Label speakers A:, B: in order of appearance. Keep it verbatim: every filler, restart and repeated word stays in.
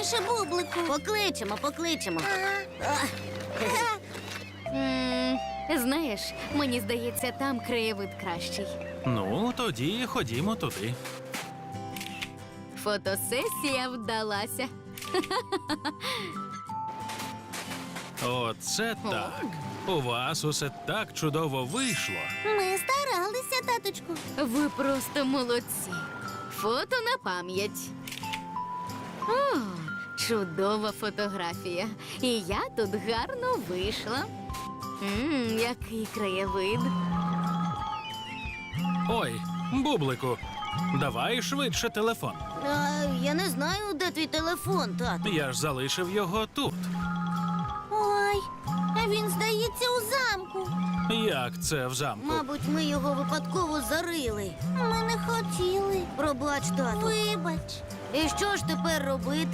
A: раніше Бублику.
B: Покличемо, покличемо.
A: Ага.
C: М, Знаєш, мені здається, там краєвид кращий.
D: Ну, тоді ходімо туди.
C: Фотосесія вдалася.
D: Оце так. У вас усе так чудово вийшло.
A: Ми старалися, таточку.
C: Ви просто молодці. Фото на пам'ять. О, чудова фотографія. І я тут гарно вийшла. Мм, який краєвид.
D: Ой, Бублику, давай швидше телефон.
B: А, я не знаю, де твій телефон, тату.
D: Я ж залишив його тут.
A: Ой, а він, здається, у замку.
D: Як це в замку?
B: Мабуть, ми його випадково зарили.
A: Ми не хотіли.
B: Пробач, тату.
A: Вибач.
B: І що ж тепер робити?